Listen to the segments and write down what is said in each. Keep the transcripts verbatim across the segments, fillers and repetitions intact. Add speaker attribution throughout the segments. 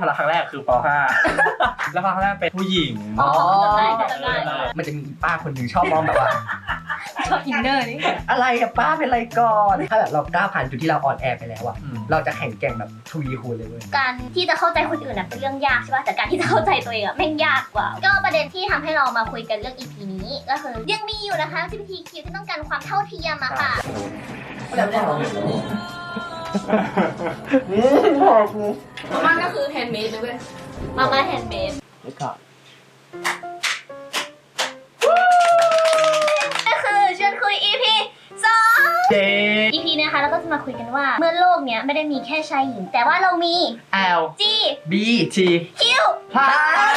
Speaker 1: พละครั้งแรกคือป ห้า แล้วพละครั้งแรกเป็นผู้หญิง
Speaker 2: อ๋อ
Speaker 3: จำได้จำได้
Speaker 2: มันจะมีป้าคนหนึ่งชอบมองแบบว่า
Speaker 3: ชอบอินเนอร์นี่
Speaker 2: อะไรอะป้าเป็นไรก่อนถ้าแบบเราก้าวผ่านจุดที่เราอ่อนแอไปแล้วอะ
Speaker 1: อืม
Speaker 2: เราจะแข่งแกร่งแบบทวีคูณเลยเว้ย
Speaker 3: การที่จะเข้าใจคนอื่นน่ะเป็นเรื่องยากใช่ป่ะแต่การที่จะเข้าใจตัวเองอะแม่งยากกว่า ก็ประเด็นที่ทำให้เรามาคุยกันเรื่อง อี พี นี้ก็คือยังมีอยู่นะคะ จี พี ที คิว ที่ต้องการความเท่าเทียมอะค่ะ
Speaker 4: มาม่าก็คือแฮนด์เมดเลยเว้ย
Speaker 3: มาม่าแฮนด์เมด
Speaker 1: แล้วก็
Speaker 3: ก็คือชวนคุย อี พี สอง
Speaker 1: เจ
Speaker 3: อี พี นะคะเราก็จะมาคุยกันว่าเมื่อโลกเนี้ยไม่ได้มีแค่ชายหญิง แต่ว่าเรามี
Speaker 1: L
Speaker 3: G
Speaker 2: B
Speaker 1: T
Speaker 3: Q
Speaker 1: พลัส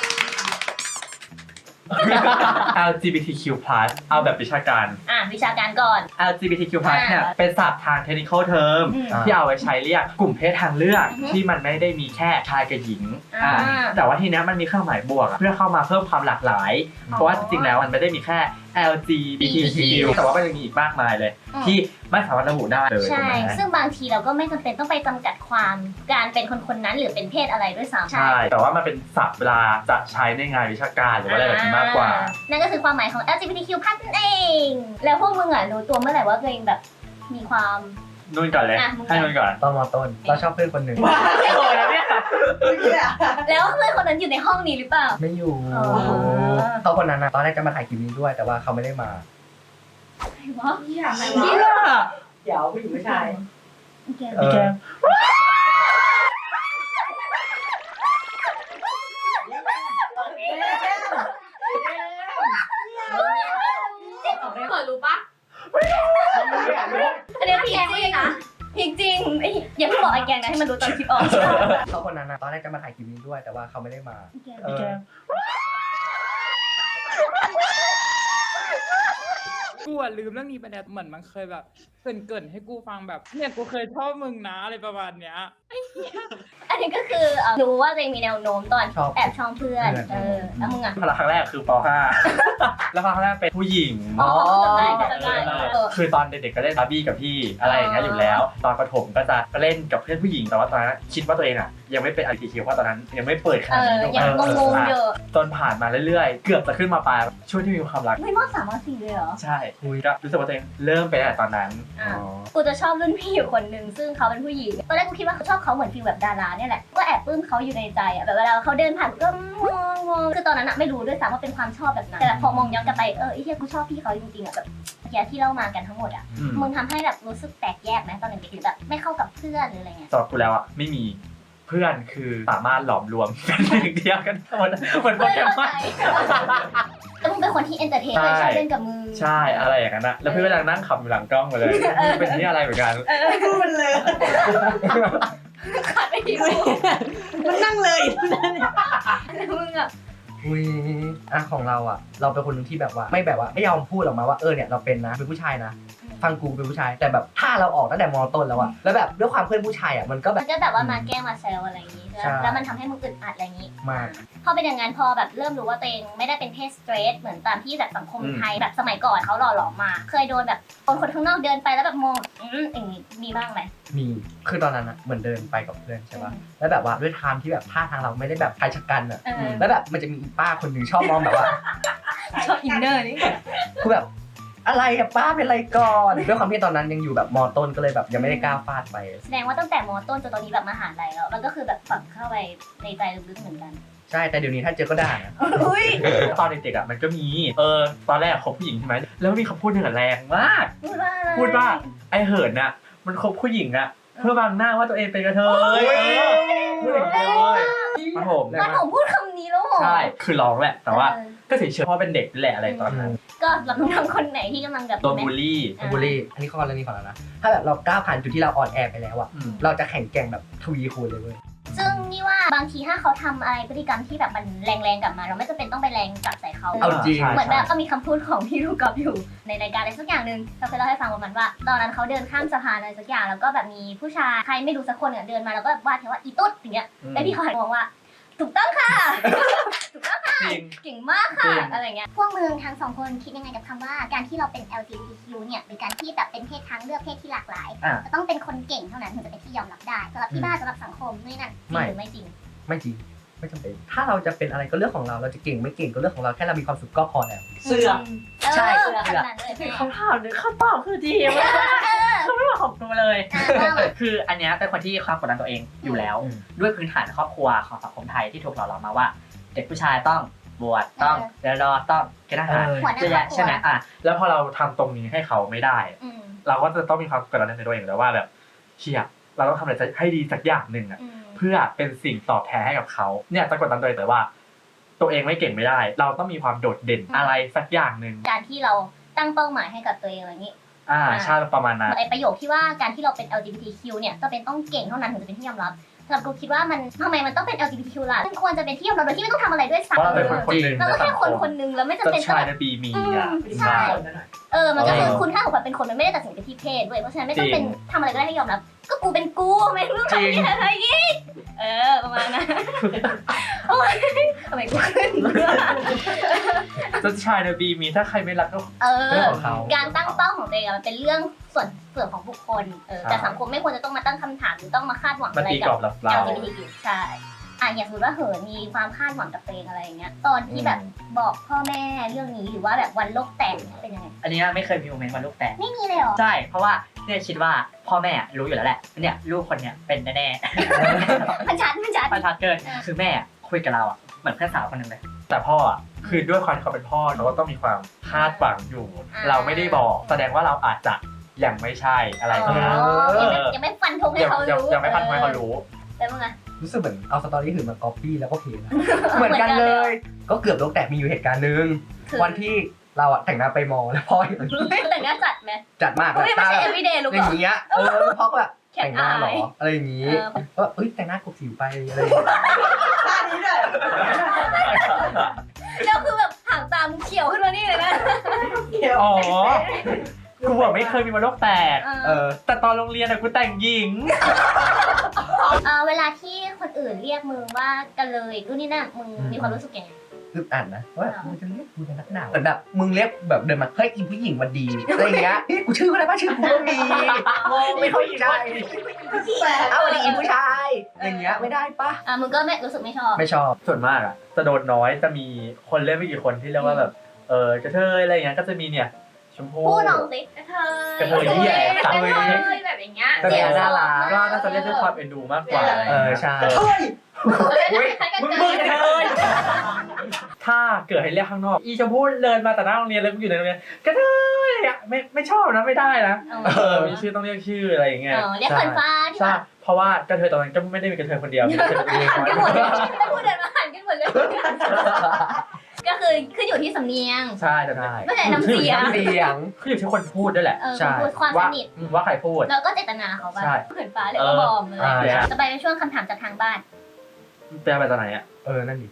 Speaker 1: แอล จี บี ที คิว พลัส เอาแบบวิชาการ
Speaker 3: อ่ะวิชาการก่อน
Speaker 1: แอล จี บี ที คิว พลัส เนี่ย
Speaker 3: อ่า
Speaker 1: เป็นศัพท์ทาง technical term
Speaker 3: อืม
Speaker 1: ที่เอาไว้ใช้เรียกกลุ่มเพศทางเลือก
Speaker 3: อือฮึ
Speaker 1: ที่มันไม่ได้มีแค่ชายกับหญิง
Speaker 3: อ่า
Speaker 1: อ่าแต่ว่าทีเนี้ยมันมีเครื่องหมายบวกอะเพื่อเข้ามาเพิ่มความหลากหลาย
Speaker 3: อ๋อ
Speaker 1: เพราะว่าจริงๆแล้วมันไม่ได้มีแค่ แอล จี บี ที คิว แต่ว่ามันยังมีอีกมากมายเลย
Speaker 3: อืม
Speaker 1: ที่ไม่สามารถระบุได้เลย
Speaker 3: ใช่
Speaker 1: ถูกไหม
Speaker 3: ซึ่งบางทีเราก็ไม่จำเป็นต้องไปจำกัดความการเป็นคนคนๆนั้นหรือเป็นเพศอะไรด้วยซ้ำ
Speaker 1: ใช่ แต่ว่ามันเป็นศัพท์เวลาจะใช้ในงานวิชาการหรือว่าอะไรแบบนี้มากกว่า
Speaker 3: อ่นั่นก็คือความหมายของ แอล จี บี ที คิว พันนั่นเอง แล้วพวกมึงอ่ะรู้ตัวเมื่อไหร่ว่าตัวเองแบบมีความ
Speaker 1: นุ่นก่อนเลย
Speaker 3: อ่ะมึงก่อน
Speaker 1: ให้นุ่นก่อน
Speaker 2: ตอนมต้นเราชอบเพื่อนคนหนึ่ง
Speaker 1: โอ้ยนะเนี่ย
Speaker 3: แล้วเพื่อนคนนั้นอยู่ในห้องนี้หรือเปล่า
Speaker 2: ไม่อยู่
Speaker 3: อ๋อ
Speaker 2: เขาคนนั้นนะตอนแรกจะมาถ่ายคลิปนี้ด้วย แต่ว่าเขาไม่ได้มา
Speaker 3: ใครวะ
Speaker 4: เหี้ยอะไร
Speaker 1: เนี่
Speaker 4: วะ
Speaker 1: ย
Speaker 2: เดี๋ยวผู้หญิงผู้ชาย
Speaker 3: แก
Speaker 2: เออ
Speaker 1: แกม
Speaker 4: เปิดรู้ปะ
Speaker 3: อันนี้พีจริงนะพีจริงเอ้ยอย่าเพิ่งบอกไอ้แกงนะให้มันรู้ตอนคลิปออก
Speaker 2: เขาคนนั้นนะตอนแรกจะมาถ่ายคลิปนี้ด้วย แต่ว่าเขาไม่ได้มา เออ
Speaker 1: แกม
Speaker 5: กูอะลืมเรื่องนี้ไปแล้วเหมือนมันเคยแบบเกรินเกินๆให้กูฟังแบบเนี่ยกูเคยชอบมึงนะอะไรประมาณเนี้ย
Speaker 3: อันนี้ก็คือเอ่อรู้ว่าตัวเองมีแนวโน้มตอน
Speaker 2: ชอบ
Speaker 3: แอบชอบเพื่อน
Speaker 2: เพื่อน
Speaker 3: เออแล้วมึงอ่ะ
Speaker 1: พละครั้งแรกคือป ห้า แล้วพละครั้งแรกเป็นผู้หญิง
Speaker 3: อ๋อจำได้
Speaker 1: เอ
Speaker 3: จำได้
Speaker 1: อ
Speaker 3: เออ
Speaker 1: คือตอนเด็กๆก็เล่นบาร์บี้กับพี่อะไรอย่างเงี้ยอยู่แล้ว ตอนประถมก็จะเล่นกับเพื่อนผู้หญิงแต่ว่าตอนนั้นคิดว่าตัวเองอ่ะยังไม่เป็น แอล จี บี ที คิว เพราะตอนนั้นยังไม่เปิดข
Speaker 3: เอ
Speaker 1: นาด
Speaker 3: อ
Speaker 1: นี้ถูกไหม
Speaker 3: ยังงงๆอยู่
Speaker 1: จนผ่านมาเรื่อยๆ เกือบจะขึ้นมาปลายช่วงที่มีความรัก
Speaker 3: ไม่มอสามมอสี่เลยเหรอ
Speaker 1: ใช่ก็รู้สึกว่าตัวเองเริ่มไปตั้งแต่ตอนนั้น
Speaker 3: อ่ะ กูจะชอบรุ่นพี่อยู่คนหนึ่งซึ่งเขาเป็นผู้หญิง ตอนแรกกูคิดว่าเขาชอบเขาเหมือนฟีลแบบดาราเนี่ยแหละ ก็แอบปลื้มเขาอยู่ในใจอ่ะแบบเวลาเขาเดินผ่านกูก็มองมองคือตอนนั้นอะไม่รู้ด้วยซ้ำว่าเป็นความชอบแบบนั้น แต่แบบพอมองย้อนกลับไปเออไอ้เหี้ยกูชอบพี่เขาจริงๆอ่ะแบบเหี้ยที่เล่ามากันทั้งหมดอ่ะ
Speaker 1: อืม
Speaker 3: มึงทำให้แบบรู้สึกแตกแยกไหมตอนเด็กๆหรือแบบไม่เข้ากับเพื่อนหรืออะไรเงี้ย
Speaker 1: สำหรับกูแล้วอ่ะไม่มีเพื่อนคือสามารถหลอมรวมเป็นหนึ่งเดียวกันหมดเหมือนโป
Speaker 3: เพื่
Speaker 1: เก
Speaker 3: อนเข้าม
Speaker 1: อ
Speaker 3: ใจ
Speaker 1: น
Speaker 3: แล้วมึงเป็นคนที่เอนเตอร์เทนเลยชอบเล่นกับมือ
Speaker 1: ใช่อะไรอย่างนั้นนะแล้วเพื่อนก็นั่งขำอยู่หลังกล้องมาเลยเป็นที่อะไรเหมือนกัน
Speaker 4: ไม่พูดมันเลย
Speaker 3: ขาดไม่ดีเลย
Speaker 4: มันนั่งเลย
Speaker 3: แล้วมึงอ่ะ
Speaker 2: อุ้ยอ่ะของเราอ่ะ เราเป็นคนหนึงที่แบบว่า ไม่แบบว่าไม่ยอมพูดออกมาว่าเออเนี่ยเราเป็นนะเป็นผู้ชายนะฟังกูเป็นผู้ชาย แต่แบบถ้าเราออกตั้งแต่มอต้นแล้วอ่ะแล้วแบบด้วยความเพื่อนผู้ชายอ่ะมันก็แบ
Speaker 3: มั
Speaker 2: บ
Speaker 3: นก็แบบว่ามาแกล้งมาแซวอะไรอย่างงี้
Speaker 2: ใช่
Speaker 3: แล้วมันทำให้มึงอึดอัดอะไรอย่างงี้
Speaker 2: มาก
Speaker 3: พอเป็นอย่างนั้นพอแบบเริ่มรู้ว่าตัวเองไม่ได้เป็นเพศสเตรทเหมือนตามที่แบบสังคม
Speaker 1: อืม
Speaker 3: ไทยแบบสมัยก่อนเขาหล่อหลอมมา เคยโดนแบบคนคนข้างนอกเดินไปแล้วแบบมองอืมอย่างงี้มีบ้างไหม
Speaker 2: มีคือตอนนั้นอ่ะเหมือนเดินไปกับเพื่อนใช่ป่ะ
Speaker 3: อืม
Speaker 2: แล้วแบบว่าด้วยไทม์ที่แบบท่าทางเราไม่ได้แบบชายชะกันอ่ะ
Speaker 3: เออ
Speaker 2: แล้วแบบมันจะมีอีป้าคนหนึ่งชอบมองแบบว่า
Speaker 3: ชอบอินเนอร์นี่
Speaker 2: คือแบบอะไรอะป้าเป็นไรก่อนด้วยความที่ตอนนั้นยังอยู่แบบมอต้นก็เลยแบบยังไม่ได้กล้าฟาดไป
Speaker 3: แสดงว่าตั้งแต่มต้นจนตอนนี้แบบมหาลัยแล้วมันก็คือแบบฝังเข้าไปในใจลึกๆเหมือนกัน
Speaker 2: ใช่แต่เดี๋ยวนี้ถ้าเจอก็ด่านะ
Speaker 3: อุ้ย
Speaker 1: ตอนเด็กๆอ่ะมันก็มีเออตอนแรกคบผู้หญิงใช่ไหมแล้วมีคำพูดหนึ่งอะแรงมาก
Speaker 3: พูดว่าอะไร
Speaker 1: พูดว่าไอเหินน่ะมันคบผู้หญิงอ่ะเพื่อบังหน้าว่าตัวเองเป็นกระเทยเออพูดอย่างนี้เลยมาโถม
Speaker 3: มันผมพูดคำนี้แล้วเหรอ
Speaker 1: ใช่คือร้องแหละแต่ว่า
Speaker 3: เออ
Speaker 1: ก็เฉยๆเพราะเป็นเด็กแหละอะไรตอนนั้น
Speaker 3: ก็สำหรับน้องๆคนไหนที่กำลังแบบ
Speaker 1: ตัวบูลลี่
Speaker 3: อ่า
Speaker 2: บูลลี่อันนี้ข้อเรื่องนี้ของเรานะถ้าแบบเราก้าวผ่านจุดที่เราอ่อนแอไปแล้วอะ
Speaker 1: อืม
Speaker 2: เราจะแข่งแกร่งแบบทวีคูณเลยเว้ย
Speaker 3: ซึ่งนี่ว่าบางทีถ้าเขาทำอะไรพฤติกรรมที่แบบมันแรงๆกลับมา เราไม่จำเป็นต้องไปแรงกลับใส่เขา
Speaker 2: เอาจริง
Speaker 1: ใช่
Speaker 3: เหมือนแบบก็มีคำพูดของพี่ลูกกอล์ฟอยู่ในรายการอะไรสักอย่างหนึ่งเราเคยเล่าให้ฟังประมาณว่า ตอนนั้นเขาเดินข้ามสะพานอะไรสักอย่างแล้วก็แบบมีผู้ชายใครไม่รู้สักคนเนี่ยเดินมาแล้วก็วาดแค่ว่าอีตุ๊ดอย่างเงี้ย
Speaker 1: อืม
Speaker 3: แล้วพี่เขาหันมองว่า ถูกต้องค่ะ ถูกต้องค่ะ
Speaker 1: จริง
Speaker 3: เก่งมากค่ะ
Speaker 1: จริง
Speaker 3: อะไรเงี้ยพวกมึงทั้งสองคนคิดยังไงกับคำว่าการที่เราเป็น แอล จี บี ที คิว เนี่ยหรือการที่แบบเป็นเพศทางเลือกเพศที่หลากหลาย
Speaker 2: อ่ะ
Speaker 3: จะต้องเป็นคนเก่งเท่านั้นถึงจะเป็นที่ยอมรับได้สำหรับที่บ้านสำหรับสังคมนี่นั่นจริงหรือไม่จริง
Speaker 2: ไม่จริงไม่จำเป็นถ้าเราจะเป็นอะไรก็เรื่องของเราเราจะเก่งไม่เก่งก็เรื่องของเราแค่เรามีความสุขก็พอแล้ว
Speaker 6: เสื้อ
Speaker 2: ใช่
Speaker 3: เออขนาดนั้นเลยแม่
Speaker 6: คำถามหรือคำตอบคือดีมากเขาไม่บอกของกูเลย คืออันเนี้ยเป็นคนที่ความกดดันตัวเองอยู่แล้ว
Speaker 2: อืม
Speaker 6: ด้วยพื้นฐานครอบครัวของสังคมไทยที่ถูกหล่อหลอมมาว่า เด็กผู้ชายต้องบวชต้องเรียนรอต้องเกณฑ์ทหาร
Speaker 2: เออ
Speaker 3: หัวหน้า
Speaker 6: เยอะ
Speaker 3: ครอบ
Speaker 6: แยะ
Speaker 3: ครัว
Speaker 6: ใช่ไหมอ่ะ
Speaker 1: แล้วพอเราทำตรงนี้ให้เขาไม่ได้
Speaker 3: อืม
Speaker 1: เราก็จะต้องมีความกดดันในตัวเองแล้วว่าแบบเชี่ยเราต้องทำอะไรให้ดีสักอย่างหนึ่งอะ
Speaker 3: อืม
Speaker 1: เพื่อเป็นสิ่งตอบแทนให้กับเขาเนี่ยจะกดดันตัวเองแต่ว่า ตัวเองไม่เก่งไม่ได้ เราต้องมีความโดดเด่นอะไรสักอย่างหนึ่ง
Speaker 3: การที่เราตั้งเป้าหมายให้กับตัวเองอะไรอย่างนี้
Speaker 1: อ่าใช่ประมาณนั้น
Speaker 3: ไอประโยคที่ว่าการที่เราเป็น แอล จี บี ที คิว เนี่ยจะเป็นต้องเก่งเท่านั้นถึงจะเป็นที่ยอมรับสำหรับกูคิดว่ามันทำไมมันต้องเป็น แอล จี บี ที คิว ล่ะมันควรจะเป็นที่ยอมรับโดยที่ไม่ต้องทำอะไรด้วยซ้ำ
Speaker 1: เพราะเราเป็นคนคนหนึ่ง
Speaker 3: เราก็
Speaker 1: ในสั
Speaker 3: แค่
Speaker 1: ง
Speaker 3: คน
Speaker 1: ค
Speaker 3: ค
Speaker 1: ม
Speaker 3: นหนึงแล้วไม่
Speaker 1: จ
Speaker 3: จำ
Speaker 1: น
Speaker 3: เป็น
Speaker 1: ชาย
Speaker 3: ต้อง
Speaker 1: ในปีมี
Speaker 3: อืม
Speaker 1: อ่ะ
Speaker 3: ใช่ เออมันก็คือ
Speaker 1: เออ
Speaker 3: คุณค่าของความเป็นคนมันไม่ได้ตัดสินกันที่เพศด้วยเพราะฉะนั้นไม่ต้อง
Speaker 1: จริง
Speaker 3: เป็นทำอะไรก็ได้ให้ยอมรับ ก็กูเป็นกูไม่รู้
Speaker 1: จริง
Speaker 3: ทำอะไรอีกเออประมาณนั้นโอ้ยทำไมกูขึ้น
Speaker 1: จนชายในปีมีถ้าใครไม่รักก็
Speaker 3: เอ
Speaker 2: เรื่
Speaker 3: อ
Speaker 2: องของเขา
Speaker 3: การตั้งเป้าของตัวเองอะมันเป็นเรื่องส่วนส่วนของบุคคลเออ
Speaker 1: ใช่
Speaker 3: แต่สังคมไม่ควรจะต้องมาตั้งคำถามหรือต้องมาคาดหวัง
Speaker 1: มัน
Speaker 3: อะไร
Speaker 1: ตีก
Speaker 3: กั
Speaker 1: รอ
Speaker 3: บบ
Speaker 1: เราเรา
Speaker 3: แอล จี บี ที คิว ใช่อ่ะอย่างสมมติว่าเหินมีความคาดหวังกับตัวเองอะไรอย่างเงี้ยตอนที่แบบบอกพ่อแม่เรื่องนี้หรือว่าแบบวันโลกแตกเนี่ยเป็นยังไง
Speaker 6: อันเนี้ยไม่เคยมีโมเมนต์วันลูกแตก
Speaker 3: ไม่มีเลยเหรอ
Speaker 6: ใช่ เพราะว่าเนี่ยคิดว่าพ่อแม่รู้อยู่แล้วแหละเนี่ยลูกคนเนี้ยเป็นแน่
Speaker 3: มันชัดมันชัด
Speaker 6: ๆประทัดเกินคือแม่คุยกับเราอ่ะเหมือนเพื่อนสาวคนหนึงเลย
Speaker 1: แต่พ่ออ่ะคือด้วยความที่เขาเป็นพ่อเราก็ต้องมีความคาดหวังอยู่ เราไม่ได้บอก แสดงว่าเราอาจจะยังไม่ใช่อะไร
Speaker 3: อ๋
Speaker 1: ก็ได้
Speaker 3: อยังไม่ยังไม่ฟันธงให้
Speaker 1: ยัง
Speaker 3: เขา
Speaker 1: ยัง
Speaker 3: รู้
Speaker 1: ยังไม่พันให้เขารู้
Speaker 3: แต่มึงอะ
Speaker 2: รู้สึกเหมือนเอาสตอรี่หื่นมาก๊อปปี้แล้วก็เพลนะ เหมือนกันเลย ก็เกือบโลกแตกมีอยู่เหตุการณ์หนึ่ง
Speaker 3: คือ
Speaker 2: วันที่เราอะแต่งหน้าไปมอแล้วพ่อเห็น
Speaker 3: แต่งหน้าจัดไหม
Speaker 2: จัดมาก
Speaker 3: ก็ไม่
Speaker 2: ตา
Speaker 3: ใช่
Speaker 2: แบบ
Speaker 3: everyday ลูก
Speaker 2: อ
Speaker 3: เหร
Speaker 2: ย่า
Speaker 3: อง
Speaker 2: เงี้ยเออพ่อก็แบบ
Speaker 3: แข็ง
Speaker 2: แต่งหน้าเหรอ
Speaker 3: อาย
Speaker 2: อะไรอย่างงี้
Speaker 3: เออ
Speaker 2: ก็เอ้ยแต่งหน้ากบสิวไปอะไรอย่างเงี้ย
Speaker 4: ท่านี้เลย
Speaker 3: แล้วคือแบบหางตามึงเขียวขึ้นมานี่เลยนะ
Speaker 1: อ๋อ กูบอกไม่เคยมีวันโลกแตก
Speaker 2: เออ
Speaker 1: แต่ตอนโรงเรียนอะกูแต่งหญิง
Speaker 3: เออเวลาที่คนอื่นเรียกมึงว่ากันเลยรุ่นนี้น่ะมึงมีความรู้สึกยังไง
Speaker 2: อึดอัดนะว่าแบบมึงจะเรียกกูเป็นนักหนาวเหมือนแบบมึงเรียกแบบเดินมาเฮ้ยอีผู้หญิงวันดีอะไรอย่างเงี้ยเฮ้ยกูชื่ออะไรบ้างชื่อกูก็มีไม่เข้าใจเอาวันดีอีผู้ชายอะไรอย่างเงี้ยไม่ได้ปะ
Speaker 3: อ่ะมึงก็ไม่รู้สึกไม่ชอบ
Speaker 2: ไม่ชอบ
Speaker 1: ส่วนมากอะจะโดนน้อยจะมีคนเล่นไม่กี่คนที่เรียกว่าแบบเออกระเทยอะไรอย่างเงี้ยก็จะมีเนี่ยชมพู่
Speaker 3: พูดลองสิ
Speaker 4: กระเทย
Speaker 1: กระเทยที่แอบตัด
Speaker 4: กระ
Speaker 1: เล
Speaker 4: เท
Speaker 1: ย
Speaker 4: ยแบบอย่างเงี้ย
Speaker 2: แต่เนี่ยน่ารัก
Speaker 1: ก็น่าจะเรียกด้วยความเอ็นดูมากกว่า
Speaker 2: เออใช่
Speaker 1: อุ๊ยมึงมึงกระเทยถ้าเกิดให้เรียกข้างนอก อีชมพู่เดินมาแต่หน้าโรงเรียนแล้วกูอยู่ในโรงเรียนกระเทยอะไม่ไม่ชอบนะไม่ได้นะ
Speaker 3: เออ
Speaker 1: เออมีชื่อต้องเรียกชื่ออะไรอย่างเงี้ย
Speaker 3: เออเรียกเฟิร์นฟ้าที่
Speaker 1: ใช่
Speaker 3: แบบ
Speaker 1: เพราะว่ากระเทยตอนนั้นก็ไม่ได้มีกระเทยคนเดียวมีกระเทยตัวเอง
Speaker 3: หันกันหมดเลยแล้วพูดเดินมาหันกันหมดเลย ก็คือขึ้นอยู่ที่สำเนียง
Speaker 1: ใช่ใช่
Speaker 3: ไม่ใช่น้ำเสียง
Speaker 2: เสียง
Speaker 1: คืออยู่ที่คนพูดด้วยแหละ
Speaker 3: เออ
Speaker 2: ใช่
Speaker 3: พูดความส
Speaker 1: ว่า
Speaker 3: นิท
Speaker 1: ว่าใครพูด
Speaker 3: แล้วก็เจตนาเขาป่ะ
Speaker 1: ใช่
Speaker 3: เขินฟ้าเลยก็บอมเลย
Speaker 2: อ่า
Speaker 3: จะไปเป็นช่วงคำถามจากทางบ้าน
Speaker 1: แปลไปตอนไหนอ่ะ
Speaker 2: เออนั่นดิ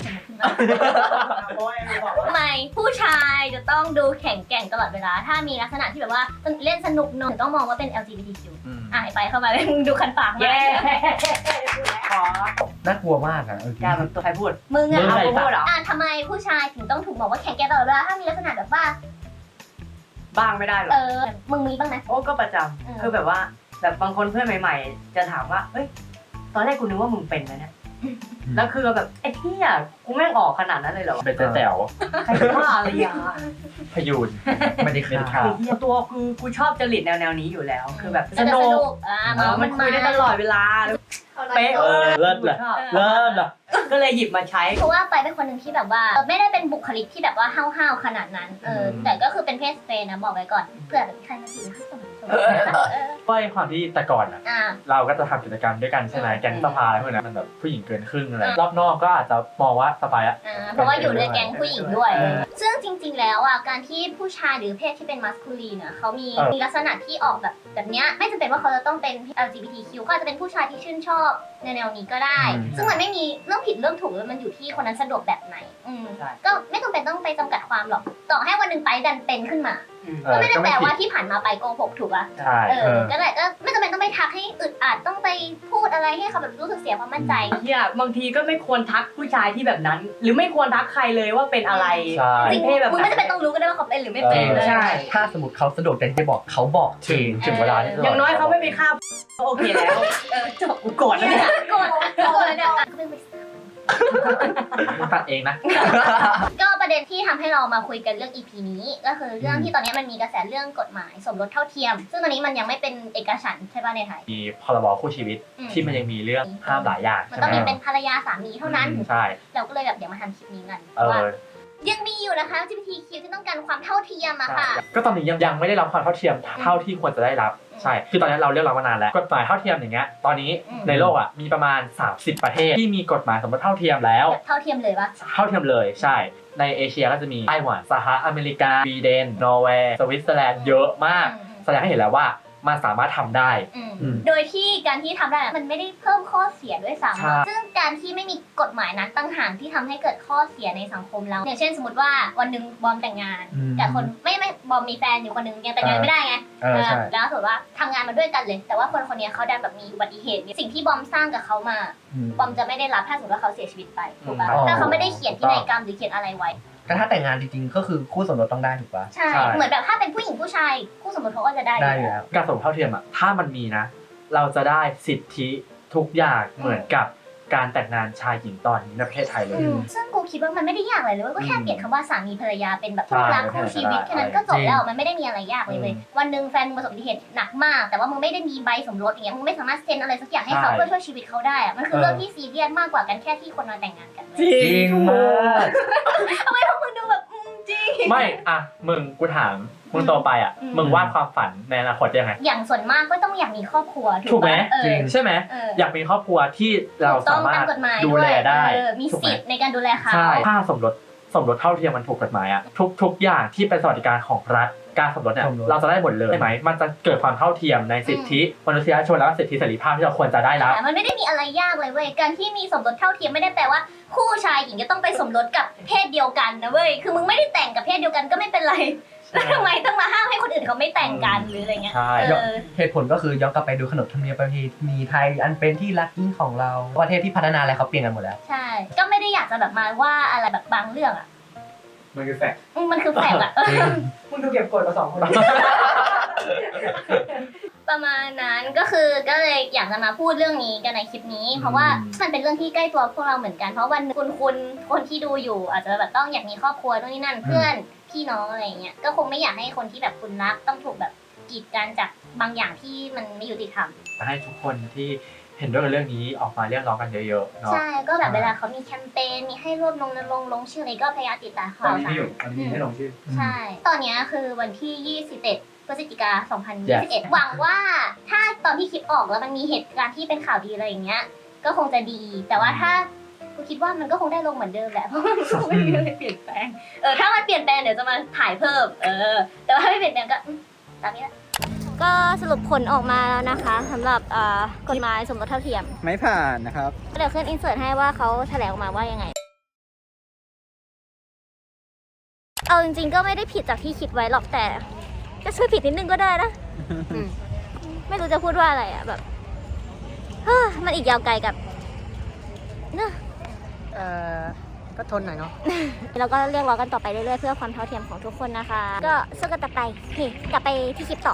Speaker 3: ทำไมผู้ชายจะต้องดูแข็งแกร่งตลอดเวลา ถ้ามีลักษณะที่แบบว่าเล่นสนุกหน่อยต้องมองว่าเป็น แอล จี บี ที คิว อ่ะไปเข้ามาเลยมึงดูคันปากมา
Speaker 6: เย้ขอ
Speaker 2: น่ากลัวมากอะเออ
Speaker 6: การมันตัวใครพูด
Speaker 3: มึงอะ
Speaker 1: มึง
Speaker 3: เอา
Speaker 1: อะไร
Speaker 3: พูด
Speaker 1: สั
Speaker 3: เหร
Speaker 1: ตว์
Speaker 3: ออ่ะทำไมผู้ชายถึงต้องถูกบอกว่าแข็งแกร่งตลอดเวลาถ้ามีลักษณะแบบว่า
Speaker 6: บ้างไม่ได้หรอ
Speaker 3: เออ มึงมีบ้างไหม
Speaker 6: โอ้ก็ประจ
Speaker 3: อืม
Speaker 6: ำคือแบบว่าแบบบางคนเพื่อนใหม่ ๆ จะถามว่าเอ้ยตอนแรกกูนึกว่ามึงเป็นนะเนี่ยแล้วคือแบบไอ้ที่อ่ะกูแม่งออกขนาดนั้นเลยเหรอ
Speaker 1: เป็นแต๋ว
Speaker 6: ใครว่าอะไรอย่าง
Speaker 1: พยูน
Speaker 2: ไม่ได้
Speaker 1: ไม่ได้
Speaker 2: ฆ่า
Speaker 1: ฆ่า
Speaker 6: คือเหี้ยตัวคือกูชอบจริตแนวแนวๆนี้อยู่แล้ว คือแบบ
Speaker 3: ก็
Speaker 6: ส
Speaker 3: จะ
Speaker 6: นุ
Speaker 3: ส
Speaker 6: ก
Speaker 3: นุกอ่า
Speaker 6: เออมันคุยได้ตลอดเวลาเป๊ะ
Speaker 1: เออเลิศเลย
Speaker 6: ชอบ
Speaker 1: เริ่มละ
Speaker 6: ก็เลยหยิบมาใช้
Speaker 3: เพราะว่าไปเป็นคนหนึ่งที่แบบว่าไม่ได้เป็นบุคลิกที่แบบว่าห้าวๆขนาดนั้น เออ แต่ก็คือเป็นเพศสเปนนะบอกไว้ก่อน เผื่อแบบใครมาจีบให้สมเออ
Speaker 1: ด้วยความที่แต่ก่อนอ่ะ
Speaker 3: อ่า
Speaker 1: เราก็จะทำกิจกรรมด้วยกันใช่ไหมแก๊งสภาอะไรพวกนั้นมันแบบผู้หญิงเกินครึ่งอะไร
Speaker 3: อืม
Speaker 1: รอบนอกก็อาจจะมองว่าสบายอะ
Speaker 3: อ่าเพราะว่าอยู่ในแก๊งผู้หญิงด้วย
Speaker 1: เออ
Speaker 3: ซึ่งจริงๆ แล้วอ่ะการที่ผู้ชายหรือเพศที่เป็นมัสคูลีนเนี่ยเขามี
Speaker 1: เออ
Speaker 3: มีลักษณะที่ออกแบบแบบเนี้ยไม่จำเป็นว่าเขาจะต้องเป็น แอล จี บี ที คิว ก็อาจจะเป็นผู้ชายที่ชื่นชอบในแนวนี้ก็ได้
Speaker 2: อืม
Speaker 3: ซึ่งมันไม่มีเรื่องผิดเรื่องถูกเลยมันอยู่ที่คนนั้นสะดวกแบบไหนอืม
Speaker 6: ใช่
Speaker 3: ก็ไม่จำเป็นต้องไปจำกัดความหรอกต่อให้วันหนึ่งไปดันเป็นขึ้นมา
Speaker 6: อืม
Speaker 1: เออ
Speaker 3: ก็ไม่ได้
Speaker 1: ก็
Speaker 3: แป
Speaker 1: ไม่
Speaker 3: ล
Speaker 1: ผิด
Speaker 3: ว่าที่ผ่านมาไปโกหกถูกปะ
Speaker 1: ใช่
Speaker 3: เอ
Speaker 2: เอ
Speaker 3: อ
Speaker 2: อ
Speaker 3: ก็เลยก็ไม่จำเป็นต้องไปทักให้อึดอัดต้องไปพูดอะไรให้เขาแบบรู้สึกเสียความมั่นใจ
Speaker 6: เฮียบางทีก็ไม่ควรทักผู้ชายที่แบบนั้น หรือไม่ควรทักใครเลยว่าเป็นอะไร
Speaker 1: ใช่
Speaker 3: จริง
Speaker 6: เพศแบบ
Speaker 3: มึงไม่จำเป็นต้องรู้ก็ได้ว่าเขาเป็นหรือไม่เป็น
Speaker 1: เออ
Speaker 3: เลย
Speaker 6: ใช่
Speaker 2: ถ้าสมมติเขาสะดวกใจที่จะบอกเขาบอกเอ
Speaker 1: ถึง
Speaker 2: ง
Speaker 1: ถึงเวลาที่จะ
Speaker 6: อย่างน้อยเขาไม่ไปฆ่าก็โอเคแล้ว
Speaker 3: เออจบ
Speaker 6: กูโกรธแล้วเนี่ย
Speaker 3: โกรธโกรธเลยเนี่ยก็เป็น
Speaker 1: ตัดเองนะ
Speaker 3: ก็ประเด็นที่ทำให้เรามาคุยกันเรื่อง อี พี นี้ก็คือเรื่องที่ตอนนี้มันมีกระแสเรื่องกฎหมายสมรสเท่าเทียม ซึ่งตอนนี้มันยังไม่เป็นเอกฉันท์ใช่ป่ะในไทย
Speaker 1: มีพรบคู่ชีวิต
Speaker 3: อืม
Speaker 1: ที่มันยังมีเรื่องห้ามหลายอย่าง
Speaker 3: มัน
Speaker 1: ใช่
Speaker 3: ต้อง
Speaker 1: ไหม
Speaker 3: มีเป็นภรรยาสามีเท่านั้น
Speaker 1: ใช่
Speaker 3: เราก็เลยแบบเดี๋ยวมาทำคลิปนี้กันเพ
Speaker 1: เอ
Speaker 3: ราะว่า
Speaker 1: อ
Speaker 3: ยังมีอยู่นะคะ จี พี ที คิว ที่ต้องการความเท่าเทียมอะ
Speaker 1: ใช่
Speaker 3: ค่ะ
Speaker 1: ก็ตอนนี้ยังยังไม่ได้รับความเท่าเทียมเท่าที่ควรจะได้รับ
Speaker 3: อืม
Speaker 1: ใช่คือตอนนี้เราเรียกร้องมานานแล้วกฎหมายเท่าเทียมอย่างเงี้ยตอนนี้
Speaker 3: อืม
Speaker 1: ในโลกอ่ะมีประมาณสามสิบประเทศที่มีกฎหมายสมรสเท่าเทียมแล้ว
Speaker 3: แบบเท่าเทียมเลยปะ
Speaker 1: เท่าเทียมเลยใช่ในเอเชียก็จะมีไต้หวันสหรัฐอเมริกาสวีเดนนอร์เวย์สวิตเซอร์แลนด์เยอะมาก
Speaker 3: อืม
Speaker 1: แสดงให้เห็นแล้วว่ามันสามารถทำได้
Speaker 3: อืม
Speaker 1: อืม
Speaker 3: โดยที่การที่ทำได้อะมันไม่ได้เพิ่มข้อเสียด้วย
Speaker 1: ใช่
Speaker 3: ซ้ำซึ่งการที่ไม่มีกฎหมายนั้นตั้งหากที่ทำให้เกิดข้อเสียในสังคมเรา อย่างเช่นสมมติว่าวันหนึ่งบอมแต่งงาน
Speaker 2: อืม
Speaker 3: แต่คนไม่ไม่บอมมีแฟนอยู่คนหนึ่งยังแต่งงานไม่ได้ไง
Speaker 2: เออใช่
Speaker 3: แล้วสมมติว่าทำงานมาด้วยกันเลย แต่ว่าคนคนนี้เขาดันแบบมีอุบัติเหตุสิ่งที่บอมสร้างกับเขามา
Speaker 2: อืม
Speaker 3: บอมจะไม่ได้รับถ้าสมมติว่าเขาเสียชีวิตไปถูกปะ
Speaker 2: อ๋อ
Speaker 3: ถ้าเขาไม่ได้เขียนพินัยกรรมหรือเขียนอะไรไว้
Speaker 2: แต่ถ้าแต่งงานจริงๆก็คือคู่สมรสต้องได้ถูกปะ
Speaker 3: ใช่
Speaker 1: ใช่
Speaker 3: เหมือนแบบถ้าเป็นผู้หญิงผู้ชายคู่สมรสเขาก็จะได้
Speaker 2: ได้อยู่แล้ว
Speaker 1: การสมรสเท่าเทียมอ่ะถ้ามันมีนะ เราจะได้สิทธิทุกอย่างเหมือนกับการแต่งงานชายหญิงตอนนี้ในประเทศไทยเลย
Speaker 3: อืมซึ่งกูคิดว่ามันไม่ได้ยากอะไรเลยเว้ยก็แค่
Speaker 1: อืม
Speaker 3: เปลี่ยนคำว่าสามีภรรยาเป็นแบบ
Speaker 1: ใช่
Speaker 3: คู่รักคู่ชีวิต
Speaker 1: ใช่
Speaker 3: แค่นั้นก็จบ
Speaker 2: จริง
Speaker 3: แล้วมันไม่ได้มีอะไรยากเลยเว้ย
Speaker 1: อืม
Speaker 3: วันหนึ่งแฟนมึงประสบอุบัติเหตุหนักมาก แต่ว่ามึงไม่ได้มีใบสมรสอย่างเงี้ยมึงไม่สามารถเซ็นอะไรสักอย่างให้เขา
Speaker 1: ใช่
Speaker 3: เพื่อช่วยชีวิตเขาได้อะมันคือเรื่องที่ซีเรียสมากกว่ากันแค่ที่คนมาแต่งงานกันเว้ย
Speaker 2: จริงมาก
Speaker 3: ทำไมพวกมึงดูแบบอืมจริง
Speaker 1: ไม่อะมึงกูถามมึงโตไปอ่ะ
Speaker 3: อืม
Speaker 1: มึงวาดความฝันในอนาคตยังไง
Speaker 3: อย่างส่วนมากก็ต้องอยากมีครอบครัว
Speaker 1: ถู
Speaker 3: ถูก
Speaker 1: กไหม
Speaker 3: ปะเออ
Speaker 2: จริง
Speaker 1: ใช่ไหม
Speaker 3: เออ
Speaker 1: อยากมีครอบครัวที่เรา
Speaker 3: ถูกต้
Speaker 1: สา
Speaker 3: อง
Speaker 1: มาร
Speaker 3: ตาม
Speaker 1: ถ
Speaker 3: กฎหมาย
Speaker 1: ดู
Speaker 3: ด้วย
Speaker 1: แลได้
Speaker 3: เออมี
Speaker 1: ถูกไหม
Speaker 3: สิทธิ์ในการดูแลเขา
Speaker 1: ใช่ถ้าสมรสสมรสเท่าเทียมมันถูกกฎหมายอ่ะทุกทุกอย่างที่เป็นสวัสดิการของรัฐการสมรสเนี่ย
Speaker 2: สมรส
Speaker 1: เราจะได้หมดเลยใช่ไหมมันจะเกิดความเท่าเทียมในสิทธิมนุษยชนและสิทธิเสรีภาพที่เราควรจะได้รับ
Speaker 3: แต่มันไม่ได้มีอะไรยากเลยเว้ย การที่มีสมรสเท่าเทียมไม่ได้แปลว่าคู่ชายหญิงจะต้องไปสมรสกับเพศเดียวกันนะเว้ย คือมึงไม่ได้แต่งกับเพศเดียวกันก็ไม่เป็นไร แล้วทำไมต้องมาห้ามให้คนอื่นเขาไม่แต่งกันหรืออะไรเงี้ย
Speaker 1: ใช่
Speaker 3: เออ
Speaker 2: เหตุผลก็คือย้อนกลับไปดูขนบธรรมเนียมประเพณีไทยอันเป็นที่รักยิ่งของเราประเทศที่พัฒนาอะไรเขาเปลี่ยนกันหมดแล้ว
Speaker 3: ใช่ ก็ไม่ได้อยากจะแบบมาว่าอะไรแบบบางเรื่องอ่ะ
Speaker 1: มันคือแฟกต์
Speaker 3: อืมมันคือแฝงอ่ะ
Speaker 2: จริง
Speaker 6: มึงดูเก็บกดมาสองคน
Speaker 3: ประมาณนั้นก็คือก็เลยอยากจะมาพูดเรื่องนี้กันในคลิปนี้ เพราะว่ามันเป็นเรื่องที่ใกล้ตัวพวกเราเหมือนกันเพราะวันหนึ่งคุณคุณคนที่ดูอยู่ อาจจะแบบต้องอยากมีครอบครัวนู่นนี่นั่นเพื่อนพี่น้องอะไรอย่างเงี้ยก็คงไม่อยากให้คนที่แบบคุณรักต้องถูกแบบกีดกันจากบางอย่างที่มันไม่ยุติธรรม
Speaker 1: ให้ทุกคนที่เห็นด้วยกับเรื่องนี้ออกมาเรียกร้องกันเยอะๆเนาะ
Speaker 3: ใช่ก็แบบเวลาเขามีแคมเปญมีให้รวบรวมลงลงชื่ออะไรก็พยายามติดตามข่าวสาร
Speaker 1: อันนี้ให้ลงชื่อ
Speaker 3: ใช่ ตอนเนี้ยคือวันที่ยี่สิบเอ็ดพฤศจิกาสองพันยี่สิบเอ็ด หวังว่าถ้าตอนที่คลิปออกแล้วมันมีเหตุการณ์ที่เป็นข่าวดีอะไรอย่างเงี้ย ก็คงจะดี แต่ว่าถ้ากูคิดว่ามันก็คงได้ลงเหมือนเดิมแหละ เพราะมันก็ไม่มีอะไรเปลี่ยนแปลง เออ ถ้ามันเปลี่ยนแปลงเดี๋ยวจะมาถ่ายเพิ่ม เออ แต่ว่าถ้าไม่เปลี่ยนแปลงก็อืมตามนี้แหละ ก็สรุปผลออกมาแล้วนะคะสำหรับกฎหมายสมรสเท่าเทียม
Speaker 7: ไม่ผ่านนะครับ
Speaker 3: เดี๋ยวขึ้นอินเสิร์ตให้ว่าเขาแถลงออกมาว่ายังไง เอาจริงๆก็ไม่ได้ผิดจากที่คิดไว้หรอกแต่ก็ช่วยผิดนิดนึงก็ได้นะ ไม่รู้จะพูดว่าอะไรอ่ะแบบเฮ้อมันอีกยาวไกลกับเนอะ
Speaker 6: เอ่อ ก็ทนหน่อยเนาะ
Speaker 3: แล้วก็เรียกร้องกันต่อไปเรื่อยๆเพื่อความเท่าเทียมของทุกคนนะคะ ก็สู้กันต่อไปโอเคกลับไปที่คลิปต่อ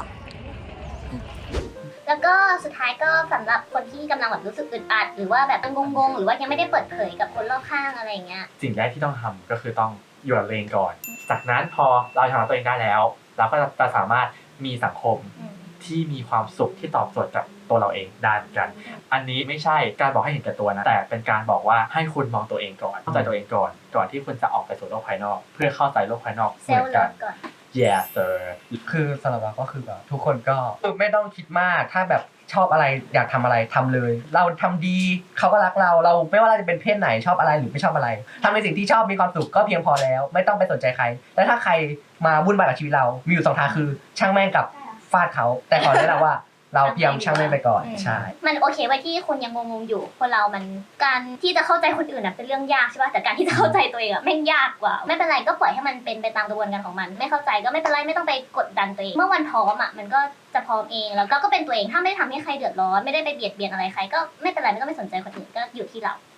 Speaker 3: แล้วก็สุดท้ายก็สำหรับคนที่กำลังแบบรู้สึกอึดอัดหรือว่าแบบงงๆหรือว่ายังไม่ได้เปิดเผยกับคนรอบข้างอะไรอย่างเงี้ย
Speaker 1: สิ่งแรกที่ต้องทำก็คือต้องอยู่กับตัวเองก่อน จากนั้นพอเราชนะตัวเองได้แล้ว เราก็จะสามารถมีสังคม
Speaker 3: อืม
Speaker 1: ที่มีความสุขที่ตอบโจทย์กับตัวเราเองได้เหมือนกัน อันนี้ไม่ใช่การบอกให้เห็นแก่ตัวนะ แต่เป็นการบอกว่าให้คุณมองตัวเองก่อนเข้าใจตัวเองก่อน ก่อนที่คุณจะออกไปสู่โลกภายนอก เพื่อเข้าใจโลกภายนอก
Speaker 3: เซ
Speaker 1: เห
Speaker 3: ล
Speaker 1: มือน
Speaker 3: ล์เลิ
Speaker 1: กัน
Speaker 3: ฟก่อน
Speaker 1: yes sir
Speaker 2: คือสำหรับเราก็คือแบบทุกคนก็คือไม่ต้องคิดมากถ้าแบบชอบอะไรอยากทำอะไรทำเลย เราทำดีเขาก็รักเราเราไม่ว่าเราจะเป็นเพศไหนชอบอะไรหรือไม่ชอบอะไรทำในสิ่งที่ชอบมีความสุขก็เพียงพอแล้ว ไม่ต้องไปสนใจใครและถ้าใครมาวุ่นวายกับชีวิตเรามีอยู่สองทางคือช่างแม่งกับฟาดเขาแต่ขอแนะนำว่าเราพยายามช่างแม่งไปก่อน
Speaker 3: อืม
Speaker 2: ใช่
Speaker 3: มันโอเคไว้ที่คุณยังงงๆอยู่คนเรามันการที่จะเข้าใจคนอื่นน่ะเป็นเรื่องยากใช่ป่ะแต่การที่จะเข้าใจตัวเองอะแม่งยากกว่า ไม่เป็นไรก็ปล่อยให้มันเป็นไปตามกระบวนการของมัน ไม่เข้าใจก็ไม่เป็นไรไม่ต้องไปกดดันตัวเองเมื่อวันพร้อมอะมันก็จะพร้อมเองแล้วก็ก็เป็นตัวเองถ้าไม่ได้ทำให้ใครเดือดร้อนไม่ได้ไปเบียดเบียนอะไรใครก็ไม่เป็นไรไม่ต้องไปสนใจคนอื่นก็อยู่ที่เราอืม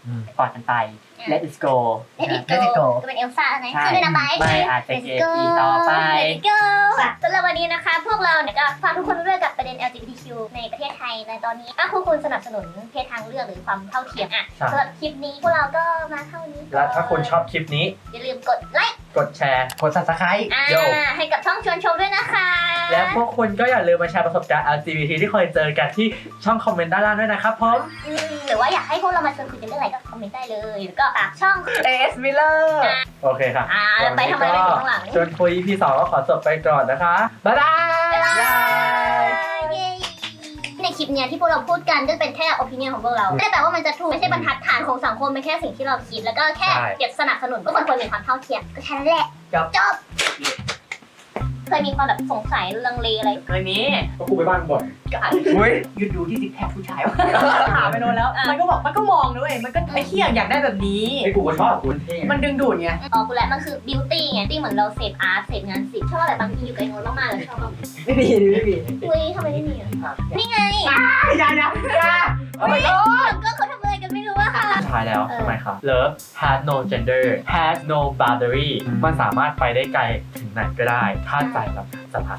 Speaker 6: กอดกันไป Let's go
Speaker 3: เลดิ
Speaker 2: Let it go
Speaker 3: ก็เป็นเอลซ่าไง
Speaker 6: ใช่
Speaker 3: คือด้วยนะไบ
Speaker 6: ไม่อาจจะเกอีต่อไป
Speaker 3: Let it go สำหรับวันนี้นะคะ พวกเราเนี่ยก็ฝากทุกคนไว้ด้วยกับประเด็น แอล จี บี ที คิว ในประเทศไทยในตอนนี้ถ้าคุณคุณสนับสนุนเพศทางเลือกหรือความเท่าเทียมอ่ะ
Speaker 1: ใช่
Speaker 3: สำหรับคลิปนี้พวกเราก็มาเท่านี้
Speaker 1: และถ้าคุณชอบคลิปนี้
Speaker 3: อย่าลืมกดไลค์
Speaker 1: กดแชร์
Speaker 2: กด subscribe
Speaker 3: อ่า
Speaker 1: โย่
Speaker 3: ให้กับช่องชวนชมด้วยนะคะ
Speaker 1: และพวกคุณก็อย่าลืมมาแชร์ประสบการณ์ แอล จี บี ที ที่เคยเจอกันที่ช่องคอมเมนต์ด้านล่างด้วยนะครับผม
Speaker 3: อืมหรือว่าอยากให้พวกเรามาชวนคุยกันเรื่องอะไรก็คอมเมนต์ได้เลยแล้วก็ฝากช่อง
Speaker 2: เอสมิลเลอร์
Speaker 1: โอเคค่ะ
Speaker 3: อ่าแล้วไปทำอะไรไปอยู่ข้างหลัง
Speaker 1: ชวนคุย อี พี สองก็ขอจบไปก่อนนะคะ บ๊ายบาย
Speaker 3: เย้ในคลิปเนี้ยที่พวกเราพูดกันก็เป็นแค่ opinion ของพวกเราไม่ได้แปลว่ามันจะถูกไม่ใช่บรรทัดฐานของสังคมเป็นแค่สิ่งที่เราคิดแล้วก็แค่
Speaker 1: ใช่
Speaker 3: อยากสนับสนุนก็คนควรมีความเท่าเทียมก็แค่นั้นแหละ
Speaker 2: จบ
Speaker 3: จบเคยมีความแบบสงสัยลังเลอะไร
Speaker 6: เคยมี
Speaker 1: ก็กูไปบ้านบ่อย
Speaker 6: ก็อาจ
Speaker 2: อุ้ย
Speaker 6: หยุดดูที่ซิกแพคผู้ชายวะถามไปโน่นแล้ว มันก็บอกมันก็มองด้วยมันก็ไอ้เหี้ยอยากได้แบบนี้
Speaker 1: ไอ้กูก็ชอบกูเท่
Speaker 6: มันดึงดูดไง
Speaker 3: อ๋อกูแหละมันคือ beauty ไงที่เหมือนเราเสพอาร์ตเสพงานศิลป์ชอบแบบบางทีอยู่กับไอ้โน้ตมากๆเลยชอบแบบ
Speaker 6: ไม่มีไม่มี
Speaker 3: อุ้ยทำไมไม่มีอ่ะนี่ไง
Speaker 6: อย่าอย่าอย่า
Speaker 3: อุ้ยก็เขาทำอะไรกันไม่รู้อะค่ะ
Speaker 1: สุดท้ายแล้ว
Speaker 3: เออ
Speaker 1: ทำไมครับ Love has no gender has no boundary มันสามารถไปได้ไกลถึงไหนก็ได้ ถ้าใจเราสัมผัส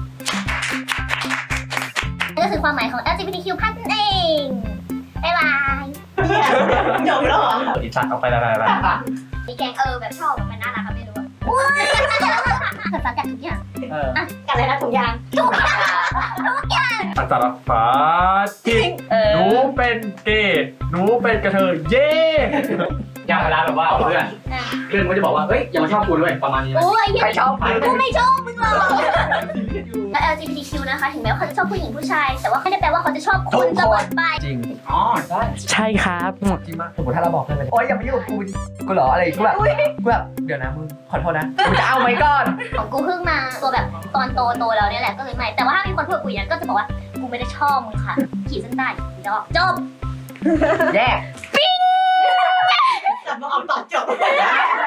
Speaker 3: นั่นก็คือความหมายของ แอล จี บี ที คิว พันนั่นเอง บ๊ายบาย
Speaker 6: จบแล้วเหรอ
Speaker 1: อิสัตว์ออกไปแล้วไป
Speaker 3: มีแกงเออแบบชอบแบบมันน่ารักอะไม่รู้อะอุ้ยภาษาจากทุกอย่าง
Speaker 1: เออ
Speaker 3: อ่ะกันอะไรนะถุงยางทุกอย่าง
Speaker 1: อาจารย์ฟ้าทิง
Speaker 6: เออ
Speaker 1: หนูเป็นเกย์หนูเป็นกระเทยเย้
Speaker 7: อย่างเวลาแบบว่าเพื่อน
Speaker 3: อ่ะ
Speaker 7: เพื่อนก็จะบอกว่าเฮ้ยอย่ามาชอบกูด้วยประมาณนี้นะ
Speaker 3: โอ้ย
Speaker 2: ใครชอบมึง
Speaker 3: กูไม่ชอบมึงหรอกแล้ว แอล จี บี ที คิว นะคะ ถึงแม้ว่าเขาจะชอบผู้หญิงผู้ชาย แต่ว่าไม่ได้แปลว่าเขาจะชอบคนเสมอไป
Speaker 2: จริง
Speaker 7: อ๋อใช่
Speaker 6: ใช่ครับ
Speaker 2: จริงมากสมมติถ้าเราบอกเพื่อนไปโอ๊ยอย่ามายุ่งกับกูกูเหรออะไรกูแบบกูแบบเดี๋ยวนะมึงขอโทษนะกูจะเอาไว้ก่อน
Speaker 3: ของกูเพิ่งมาตัวแบบตอนโตโตแล้วเนี่ยแหละก็เลยไม่ แต่ว่าถ้ามีคนพูดกับกูอย่างนั้นก็จะบอกว่ากูไม่ได้ชอบมึงค่ะ ขีดเส้นใต้จบจบ
Speaker 2: แย่
Speaker 6: กลับมาเอาตอบจบ